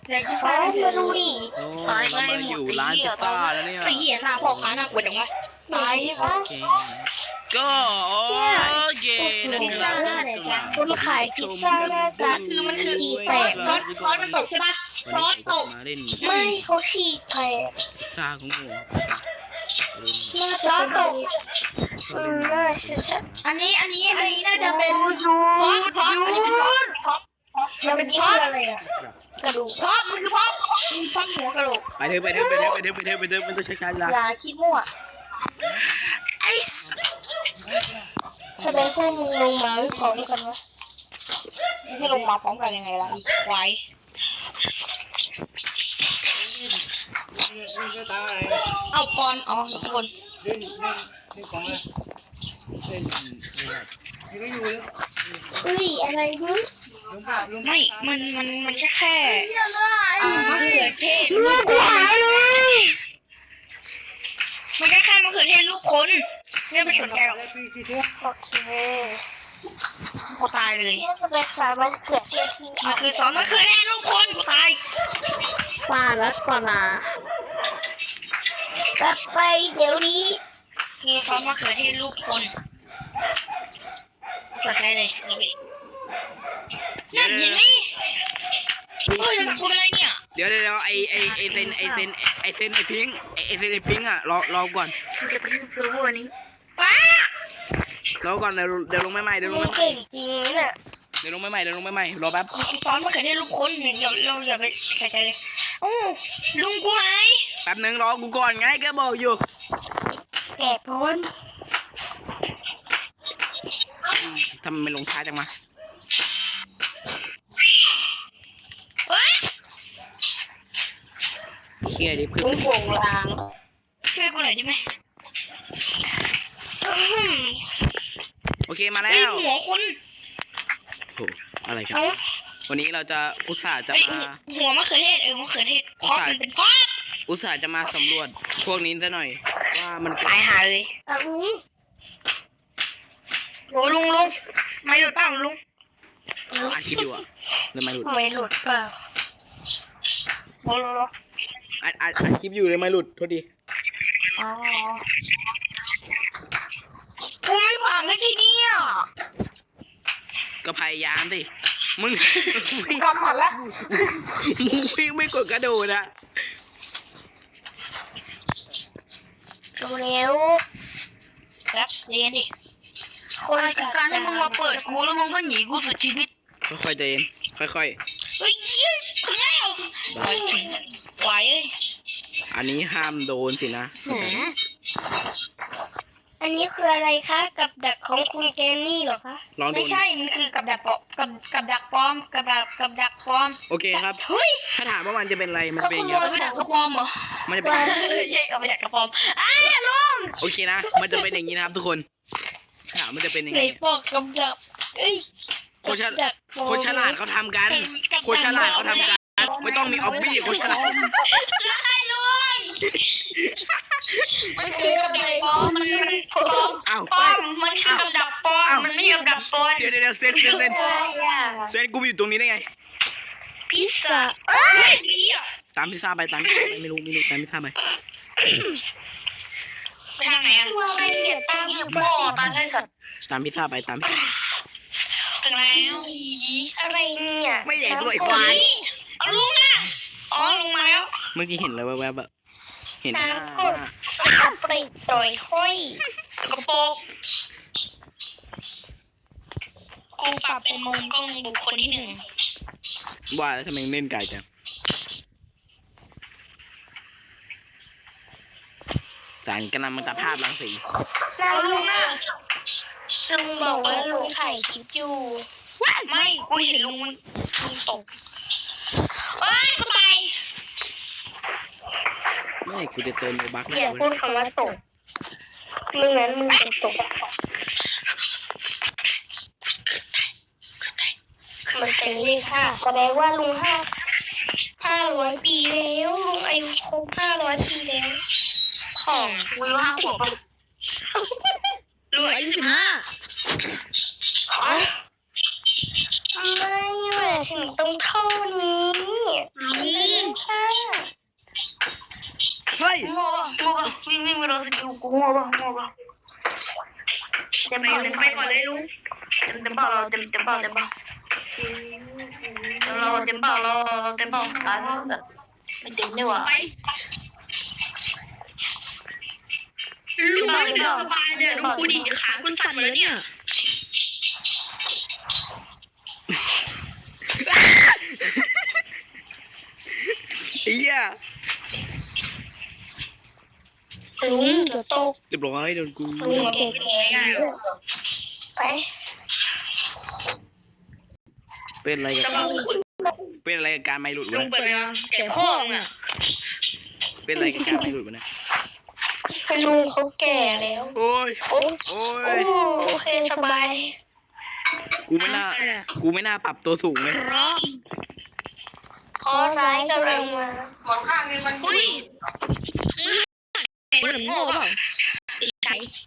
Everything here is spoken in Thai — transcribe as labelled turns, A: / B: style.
A: เด็กฟ้ามาดูดิ
B: โอ้เรามาอยู่ร้านพิซซ่าแล้วเนี่ย
A: ไอ้เหี้ยหน้าพ่อค้าน่ากลัวจังวะตายปะ
B: โอเคก็โอเคนั่นคือเรา
A: คนขายพิซซ่าหน้าตาคือมันคืออีแตกซอสมันตกใช่ปะซอสตก
B: มาเล่น
A: ไม่เขาฉีกแตก
B: พิซซ่าของหมู
A: ซอสตกน่าใช่อันนี้น่าจะเป็นพอมันเป็นที่อะไรอะกระดูกพอมันคือพอหัวกระดูก
B: ไปเถอะไม่ต้องใช้ช้าละ
A: อย่าคิดมั่วไอ้แสดงพวกมึงลงมาพร้อมกันวะให้ลงมาพร้อมกันยังไงล่ะไว้เอาปอนอ๋อคน
B: เล่นของอะไรเล่นนี่ก็อยู่เลย
A: อุ้ยอะไรมึงไม่มันแค่มะเขือเทศลูกกูหายเลยมันแค่มะเขือเทศลูกคนไม่ไปสนใจหรอกโอเคกูตายเลยนี่จะเป็นสารมะเขือเทศที่มันคือซอสมะเขือเทศลูกคนกูตายปลาแล้วปลากลับไปเดี๋ยวนี้คือซอสมะเขือเทศลูกคนสนใจเลยนั่นเห็นไหมโอ้ยกูเป็นอะไรเนี่ย
B: เดี๋ยวไอเซนไอพิงอ่ะรอก่อน
A: จะไปซื้อวันนี้ป้าร
B: อก่อนเดี๋ยวลงไม่ใหม่เดี๋ยวลงไม่ใหม่
A: เก่งจริงนี่น่ะ
B: เดี๋ยวลงไม่ใหม่รอแป๊บ
A: ซ้อนมะเขือเทศลูกคนเดี๋ยวเราอย่าไปใส่ใจเลยโอ้ลุงกูหาย
B: แป๊บนึงรอกูก่อนไงก็บอกอยู่
A: แก่พ้น
B: ทำไมไม่ลงช้าจังมา เชี่ยดิคือ
A: ลุงโป่งลางช่วยกูหน่อยได้ไหม
B: โอเคมาแล้ว
A: หัวคน
B: โหอะไรครับวันนี้เราจะอุตส่าห์จะมา
A: หัวมะเขือเทศมะเขือเทศเพราะมันเป็นเพราะ
B: อุตส่าห์จะมาสำรวจพวกนี้ซะหน่อยว่ามัน
A: ตายหาเลยโหลุงไม่หลุดเปล่าลุง
B: อัดคลิปอยู่อะเลยไม่หลุด
A: ไม่หลุดเปล่าโห
B: อัดคลิปอยู่เลยไม่หลุดโทษดี
A: อ๋อกูไม่ผ่านสักทีเดียว
B: ก็พยายามสิมึง
A: กำหมัดละ
B: มึงไม่กดกระโดดอะ
A: ดูเร็วครับเรียนดิคนคือการให้มึงมาเปิดกูแล้วมึงก็หนีกูสุดชีวิต
B: ค่อยๆใจเย็นค่อย
A: เฮ้ยถึงแล้วไหวเอ้ย
B: ๆอันนี้ห้ามโดนสินะ
A: อันนี้คืออะไรคะกับดักของคุณเจนนี่เหรอคะไม่ใช่มันคือกับดักปลอมกับดักปลอมกับดักปลอม
B: โอเคครับ
A: เฮ้ย
B: ถ้าถามว่ามันจะเป็นอะไรมัน
A: เขา
B: เป็น
A: ข
B: อย่าง
A: โม
B: เงี้ย
A: ยไปดักกระปอมเหรอ
B: มันจะเป็นอย่างงี้
A: ใช่เอาไปดักกระปอมลุง
B: โอเคนะมันจะเป็นอย่างนี้นะครับทุกคนถ้าถามมันจะเป็นยัง
A: ไหน
B: ไง
A: บอกกับดักเอ้ย
B: คนฉลาดเขาทำกันคนฉลาดเขาทำกันไม่ต้องมีออบบี้คนฉลาด
A: ใช่ลุงมันคือกับดักปลอมมันปลอม
B: อ้าว
A: ปลอมมันคือกับดักปลอมมันไม่ใช่กับดักปลอม
B: เดี๋ยวเซนกูอยู่ตรงนี้ได้ไง
A: พิซซ่า
B: ตามพิซซ่าไปไม่รู้ตามพิซซ่าไป
A: ไปทางไหนอ่ะอะไรเนี่ยตามอยู่บ่อตามไส้สัตว์
B: ตามพิซซ่าไปตามพิซซ่า
A: ถึงแล้วอะไรเนี่ย
B: ไม่ใหญ่ตัวอีกควาย
A: เอาลุงอ่ะอ๋อลุงมาแล้ว
B: เมื่อกี้เห็นอะไรแวบๆแบบเห็นหน้า
A: น้ำกดสกปรกโดยห้อยกระโปรงกูปรับเป็นมุมกล้องบุคคลที่หนึ่ง
B: ว่าแล้วทำไมเล่นไก่จังจานกำลังมันตัดภาพรังสี
A: แล้วลุงอ่ะลุงบอกว่าลุงถ่ายคลิปอยู่ไม่กูเห็นลุงตกเอ้ยกูไป
B: ไม่กูจะเติมโลบัก
A: อย่าพูดคำว่าตกไม่งั้นมึงจะตกมันเป็นเลขห้าแสดงว่าลุง500 ปีแล้วลุงอายุครบ500 ปีแล้วของกูอายุ5 ขวบลุงอายุ15ทำไมถึงต้องเท่านี้
B: ย
A: โง่ป่ะวิ่งไปโดนสกิลกูโง่ป่ะเต็มเปล่าไปก่อนเลยลุงเต็มเปล่าเราเต็มเปล่าเราเต็มเปล่าตายแล้วแบบไม่เต็มนี่หว่า
C: ลุงไม่สบายเนี่ยลุงกูดีขาคุณสั่นหมดแล้วเนี่ย
B: ไอ้เหี้ย
A: ลุงเดี๋ยวตก
B: เรียบร้อยโดนกู
A: ลุงเก่งไป
B: เป็นอะไร
C: จะ
B: กั
C: มา
B: บเป็นอะไรกับการไม่หลุด
C: ลุ
B: วะ
C: งเปิดมาแก่พ่อเนี่ย
B: เป็นอะไรกับการไม่หลุดวะเนี่ย
A: เป็นลุงเขาแก่แล้ว
B: โอ้ย
A: โอ้
B: โอ้ย
A: โอเคสบาย
B: กูไม่น่าปรับตัวสูงเลย
C: เพราะ
A: ขอร้ายกำลังมาหมอนข้างนี่มัน
C: อุ้ยเหมือนโง่เปล่าใช่